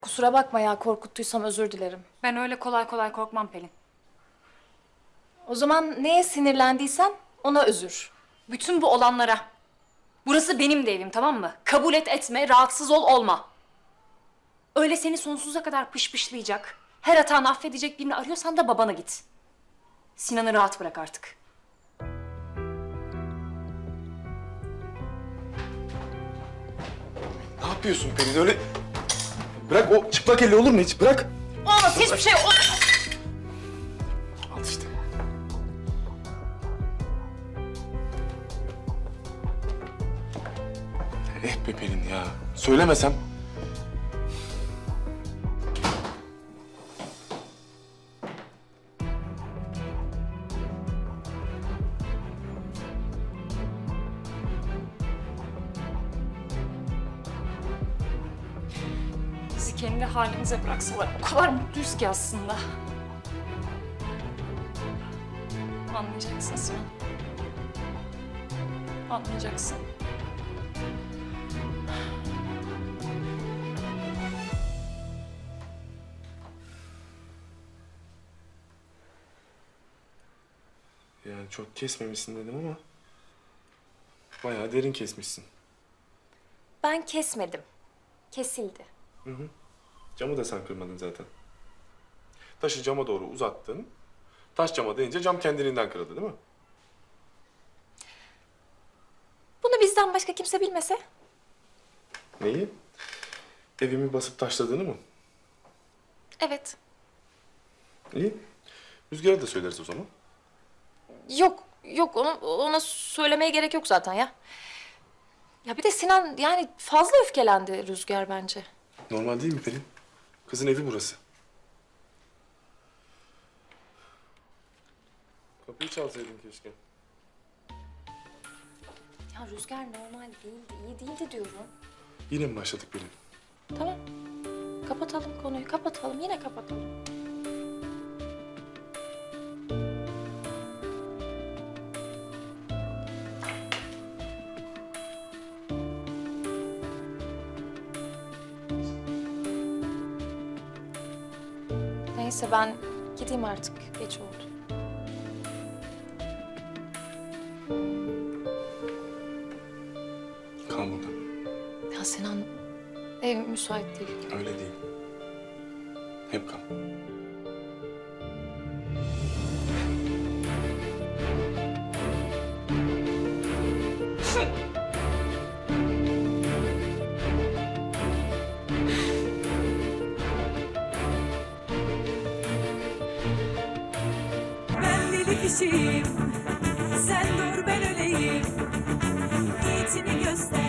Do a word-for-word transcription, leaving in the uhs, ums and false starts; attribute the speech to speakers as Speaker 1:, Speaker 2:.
Speaker 1: Kusura bakma ya, korkuttuysam özür dilerim.
Speaker 2: Ben öyle kolay kolay korkmam Pelin.
Speaker 1: O zaman neye sinirlendiysen ona özür.
Speaker 2: Bütün bu olanlara. Burası benim de evim, tamam mı? Kabul et etme, rahatsız ol olma. Öyle seni sonsuza kadar pışpışlayacak, her hatanı affedecek birini arıyorsan da babana git. Sinan'ı rahat bırak artık.
Speaker 3: Ne yapıyorsun Pelin öyle? Bırak o çıplak elle olur mu hiç? Bırak.
Speaker 2: Olmaz, hiçbir şey olmaz.
Speaker 3: Al işte. Eh be Pelin ya. Söylemesem.
Speaker 2: Bizi kendi halimize bıraksalar o kadar mutluyuz ki aslında. Anlayacaksın Sinan. Anlayacaksın.
Speaker 3: Yani çok kesmemişsin dedim ama bayağı derin kesmişsin.
Speaker 1: Ben kesmedim. Kesildi.
Speaker 3: Camı da sen kırmadın zaten. Taşı cama doğru uzattın. Taş cama değince cam kendiliğinden kırıldı değil mi?
Speaker 1: Bunu bizden başka kimse bilmese.
Speaker 3: Neyi? Evimi basıp taşladığını mı?
Speaker 1: Evet.
Speaker 3: İyi. Rüzgar'a da söyleriz o zaman.
Speaker 1: Yok, yok onu, ona söylemeye gerek yok zaten ya. Ya bir de Sinan yani fazla öfkelendi Rüzgar bence.
Speaker 3: Normal değil mi Pelin? Kızın evi burası. Kapıyı çalsaydın keşke.
Speaker 1: Ya Rüzgar normal değildi, iyi değildi diyorum.
Speaker 3: Yine mi başladık Pelin?
Speaker 1: Tamam. Kapatalım konuyu, kapatalım. Yine kapatalım. Neyse ben gideyim artık. Geç oldu.
Speaker 3: Kal burada.
Speaker 1: Ya Sinan ev müsait değil.
Speaker 3: Öyle değil. Hep kal.
Speaker 4: Ben deli kişiyim, sen dur ben öleyim. Niyetini göster.